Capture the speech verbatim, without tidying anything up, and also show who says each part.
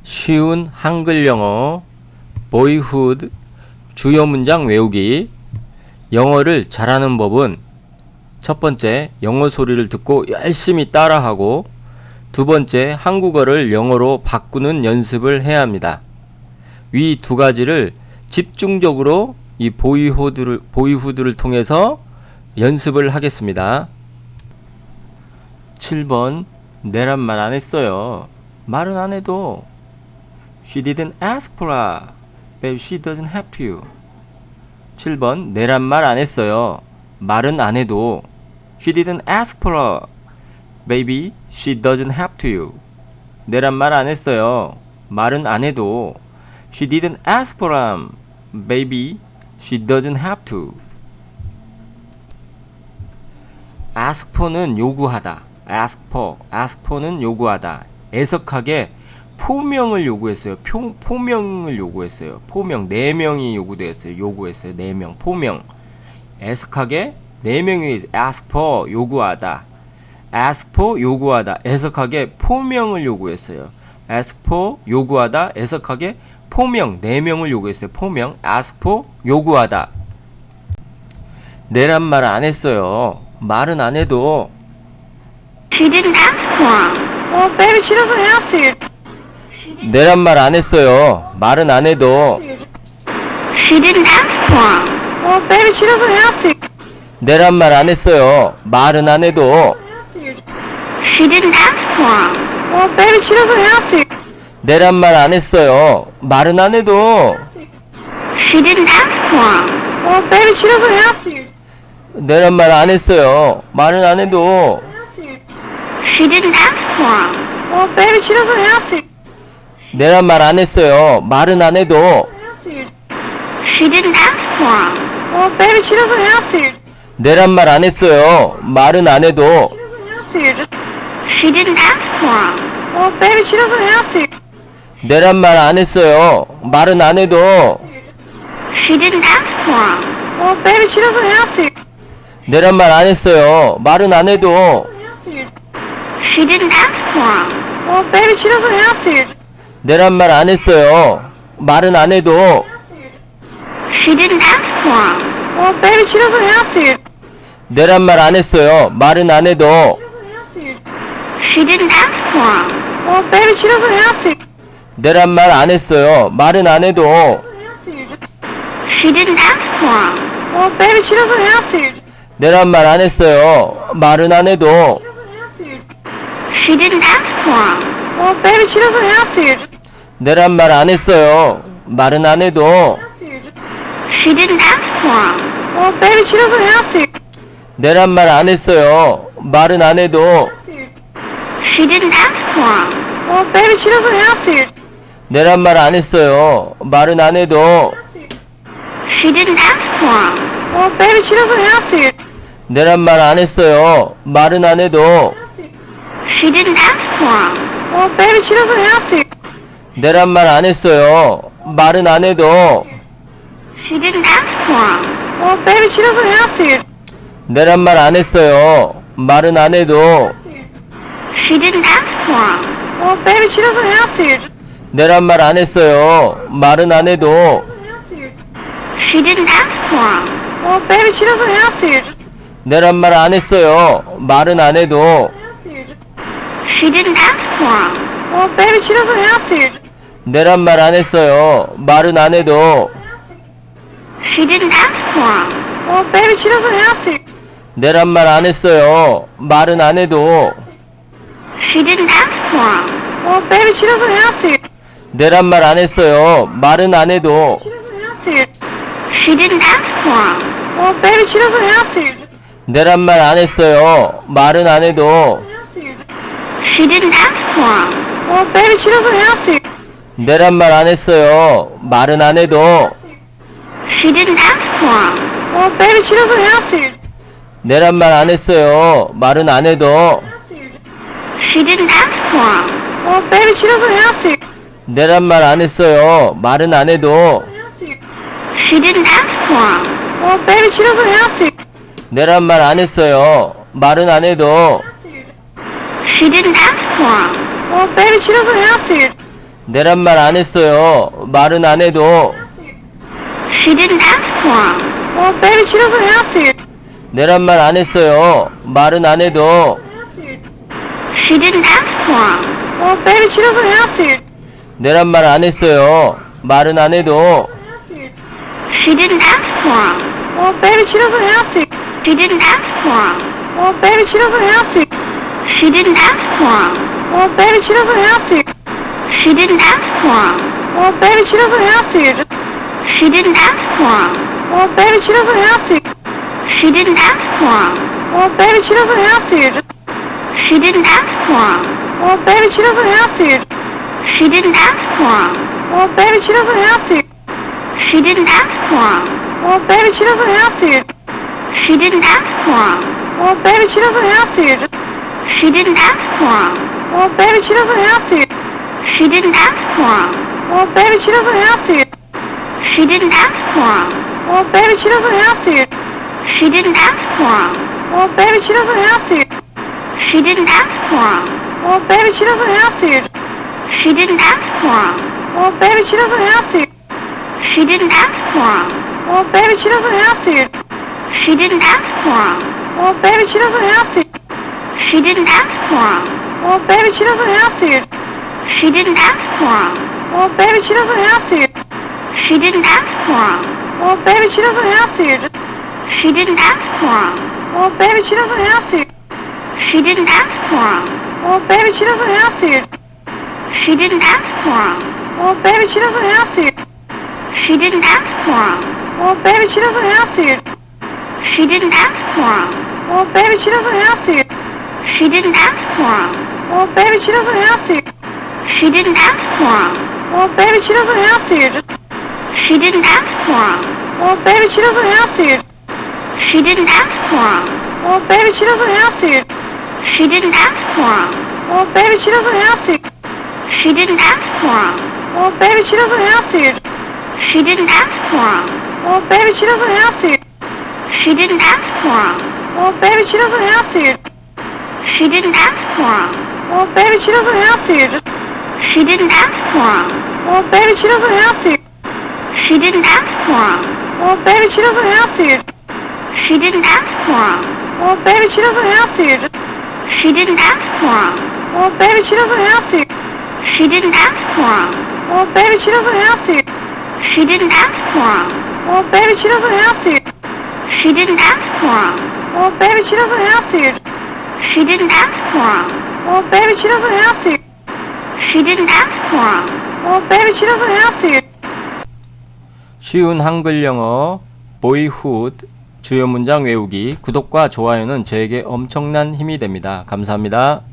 Speaker 1: 쉬운 한글 영어 boyhood 주요 문장 외우기. 영어를 잘하는 법은 첫 번째, 영어 소리를 듣고 열심히 따라하고, 두 번째, 한국어를 영어로 바꾸는 연습을 해야 합니다. 위 두 가지를 집중적으로 이 보이후드를, 보이후드를 통해서 연습을 하겠습니다. 칠 번, 내란 말 안 했어요. 말은 안 해도. She didn't ask for a, but she doesn't have to. 칠 번, 내란 말 안 했어요. 말은 안 해도. She didn't ask for a, baby, she doesn't have to. 내란 말 안 했어요. 말은 안 해도. She didn't ask for a, baby, she doesn't have to. ask for는 요구하다. ask for, ask for는 요구하다. 애석하게 포명을 요구했어요. 표, 포명을 요구했어요. 포명, 네 명이 요구되었어요. 요구했어요. 네 명, 포명. 애석하게 네 명이 ask for, 요구하다. ask for, 요구하다. 애석하게 포명을 요구했어요. ask for, 요구하다. 애석하게 포명, 네 명을 요구했어요. 포명, ask for, 요구하다. 내란 말 안 했어요. 말은 안 해도.
Speaker 2: She didn't ask for.
Speaker 3: Oh, baby, she doesn't have to.
Speaker 1: 내란 말 안 했어요. 말은 안 해도.
Speaker 2: She didn't ask for.
Speaker 3: Oh, baby, she doesn't have to.
Speaker 1: 내란 말 안 했어요. 말은 안 해도.
Speaker 2: She didn't ask for.
Speaker 3: Oh, baby, she doesn't have to.
Speaker 1: 내란 말 안 했어요. 말은 안 해도.
Speaker 2: She didn't ask for.
Speaker 3: Oh, baby, she doesn't have to.
Speaker 1: 내란 말 안 했어요. 말은 안 해도.
Speaker 2: She didn't ask for.
Speaker 3: Oh, baby, she doesn't have to.
Speaker 1: 내란 말 안 했어요. 말은 안 해도.
Speaker 2: She didn't ask for.
Speaker 3: Oh, baby, she doesn't have to.
Speaker 1: 내란 말 안 했어요. 말은 안 해도.
Speaker 3: She doesn't have to. Just,
Speaker 2: She didn't ask for.
Speaker 3: oh, baby, she doesn't have to.
Speaker 1: 내란 말 안 했어요. 말은 안 해도.
Speaker 2: She didn't ask for.
Speaker 3: Oh, baby, she doesn't have to.
Speaker 1: 내란 말 안 했어요. 말은 안 해도.
Speaker 2: She didn't ask for.
Speaker 3: Oh, baby, she doesn't have to.
Speaker 1: 내란 말 안 했어요. 말은 안 해도.
Speaker 2: She didn't ask for.
Speaker 3: Oh, baby, she doesn't have to.
Speaker 1: 내란 말 안 했어요. 말은 안 해도.
Speaker 2: She didn't ask for.
Speaker 3: Oh, baby, she doesn't have to.
Speaker 1: 내란 말 안 했어요. 말은 안 해도.
Speaker 2: She didn't ask for.
Speaker 3: Oh, baby, she doesn't have to.
Speaker 1: 내란 말 안 했어요. 말은 안 해도.
Speaker 2: She didn't ask for.
Speaker 3: Oh, baby, she doesn't have to.
Speaker 1: 내란 말 안 했어요. 말은 안 해도.
Speaker 2: She didn't ask for.
Speaker 3: Oh, baby, she doesn't have to.
Speaker 1: 내란 말 안 했어요. 말은 안 해도.
Speaker 2: She didn't ask for.
Speaker 3: Oh, baby, she doesn't have to.
Speaker 1: 내란 말 안 했어요. 말은 안 해도.
Speaker 2: She didn't ask for.
Speaker 3: Oh, baby, she doesn't have to.
Speaker 1: 내란 말 안 했어요. 말은 안 해도.
Speaker 2: She didn't ask for.
Speaker 3: Oh, baby, she doesn't have to.
Speaker 1: 내란 말 안 했어요. 말은 안 해도.
Speaker 2: She didn't ask for.
Speaker 3: Oh, baby, she doesn't have to.
Speaker 1: 내란 말 안 했어요. 말은 안 해도.
Speaker 2: She didn't ask for.
Speaker 3: Oh, baby, she doesn't have to.
Speaker 1: 내란 말 안 했어요. 말은 안 해도.
Speaker 2: She didn't ask for.
Speaker 3: Oh, baby, she doesn't have to.
Speaker 1: 내란 말 안 했어요. 말은 안 해도.
Speaker 2: She didn't ask for.
Speaker 3: Oh, baby, she doesn't have to.
Speaker 1: 내란 말 안 했어요. 말은 안 해도.
Speaker 2: She didn't ask for.
Speaker 3: Oh, baby, she doesn't have to.
Speaker 1: 내란 말 안 했어요. 말은 안 해도.
Speaker 2: She didn't ask for.
Speaker 3: Oh, baby, she doesn't have to.
Speaker 1: 내란 말 안 했어요. 말은 안 해도.
Speaker 3: She doesn't have to.
Speaker 2: She didn't ask for.
Speaker 3: Oh, baby, she doesn't have to.
Speaker 1: 내란 말 안 했어요. 말은 안 해도.
Speaker 2: She didn't ask for.
Speaker 3: Oh, baby, she doesn't have to.
Speaker 1: 내란 말 안 했어요. 말은 안 해도.
Speaker 2: She didn't ask for.
Speaker 3: Oh, baby, she doesn't have to.
Speaker 1: 내란 말 안 했어요. 말은 안 해도.
Speaker 2: She didn't ask for.
Speaker 3: Oh, baby, she doesn't have to.
Speaker 1: 내란 말 안 했어요. 말은 안 해도.
Speaker 2: She didn't ask for.
Speaker 3: Oh, baby, she doesn't have to.
Speaker 1: 내란 말 안 했어요. 말은 안 해도.
Speaker 2: She didn't ask for.
Speaker 3: Oh, baby, she doesn't have to.
Speaker 1: 내란 말 안 했어요. 말은 안 해도.
Speaker 2: She didn't ask for 'em.
Speaker 3: Well, baby, she doesn't have to.
Speaker 1: 내란 말 안 했어요. 말은 안 해도.
Speaker 2: She didn't ask for 'em.
Speaker 3: Well, baby, she doesn't have to.
Speaker 1: 내란 말 안 했어요. 말은 안 해도.
Speaker 2: She didn't ask for 'em.
Speaker 3: Well, baby, she doesn't have to.
Speaker 2: She didn't ask for 'em.
Speaker 3: Well, baby, she doesn't have to.
Speaker 2: She didn't ask for 'em.
Speaker 3: Well, baby, she doesn't have to.
Speaker 2: She didn't ask for 'em.
Speaker 3: Well, baby, she doesn't have to.
Speaker 2: She didn't ask for 'em.
Speaker 3: Well, baby, she doesn't have to.
Speaker 2: She didn't ask for 'em.
Speaker 3: Well, baby, she doesn't have to.
Speaker 2: She didn't ask for 'em.
Speaker 3: Well, baby, she doesn't have to.
Speaker 2: She didn't ask for 'em.
Speaker 3: Well, baby, she doesn't have to.
Speaker 2: She didn't ask for 'em.
Speaker 3: Well, baby, she doesn't have to.
Speaker 2: She didn't ask for 'em.
Speaker 3: Well, baby, she doesn't have to.
Speaker 2: She didn't ask for 'em.
Speaker 3: Well, baby, she doesn't have to.
Speaker 2: She didn't ask for 'em.
Speaker 3: Well, baby, she doesn't have to.
Speaker 2: She didn't ask for 'em.
Speaker 3: Well, baby, she doesn't have to.
Speaker 2: She didn't ask for 'em.
Speaker 3: Well, baby, she doesn't have to.
Speaker 2: She didn't ask for 'em.
Speaker 3: Well, baby, she doesn't have to.
Speaker 2: She didn't ask for 'em.
Speaker 3: Well, baby, she doesn't have to.
Speaker 2: She didn't ask for 'em.
Speaker 3: Well, baby, she doesn't have to.
Speaker 2: She didn't ask for 'em.
Speaker 3: Well, baby, she doesn't have to.
Speaker 2: She didn't ask for 'em.
Speaker 3: Well, baby, she doesn't have to.
Speaker 2: She didn't ask for 'em.
Speaker 3: Well, baby, she doesn't have to.
Speaker 2: She didn't ask for 'em.
Speaker 3: Well, baby, she doesn't have to.
Speaker 2: She didn't ask for 'em.
Speaker 3: Well, baby, she doesn't have to.
Speaker 2: She didn't ask for 'em.
Speaker 3: Well, baby, she doesn't have to.
Speaker 2: She didn't ask for 'em.
Speaker 3: Well, baby, she doesn't have to.
Speaker 2: She didn't ask for 'em.
Speaker 3: Well, baby, she doesn't have to.
Speaker 2: She didn't ask for 'em.
Speaker 3: Well, baby, she doesn't have to.
Speaker 2: She didn't ask for 'em.
Speaker 3: Well, baby, she doesn't have to.
Speaker 2: She didn't ask for 'em.
Speaker 3: Well, baby, she doesn't have to.
Speaker 2: She didn't ask for 'em.
Speaker 3: Well, baby, she doesn't have to.
Speaker 2: She didn't ask for 'em.
Speaker 3: Well, baby, she doesn't have to.
Speaker 2: She didn't ask for 'em.
Speaker 3: Well, baby, she doesn't have to.
Speaker 2: She didn't ask for 'em.
Speaker 3: Well, baby, she doesn't have to.
Speaker 2: She didn't ask for 'em.
Speaker 3: Well, baby, she doesn't have to.
Speaker 2: She didn't ask for 'em.
Speaker 3: Well, baby, she doesn't have to.
Speaker 2: She didn't ask for 'em.
Speaker 3: Well, baby, she doesn't have to.
Speaker 2: She didn't ask for 'em.
Speaker 3: Well, baby, she doesn't have to.
Speaker 2: She didn't ask for 'em.
Speaker 3: Well, baby, she doesn't have to.
Speaker 2: She didn't ask for 'em.
Speaker 3: Well, baby, she doesn't have to.
Speaker 2: She didn't ask for 'em.
Speaker 3: Well, baby, she doesn't have to.
Speaker 2: She didn't ask for 'em.
Speaker 3: Well, baby, she doesn't have to.
Speaker 2: She didn't ask for 'em.
Speaker 3: Well, baby, she doesn't have to.
Speaker 2: She didn't ask for 'em.
Speaker 3: Well, baby, she doesn't have to.
Speaker 2: She didn't ask for 'em.
Speaker 3: Well, baby, she doesn't have to.
Speaker 2: She didn't ask for 'em.
Speaker 3: Well, baby, she doesn't have to.
Speaker 1: 쉬운 한글 영어 보이훗 주요 문장 외우기 구독과 좋아요는 저에게 엄청난 힘이 됩니다. 감사합니다.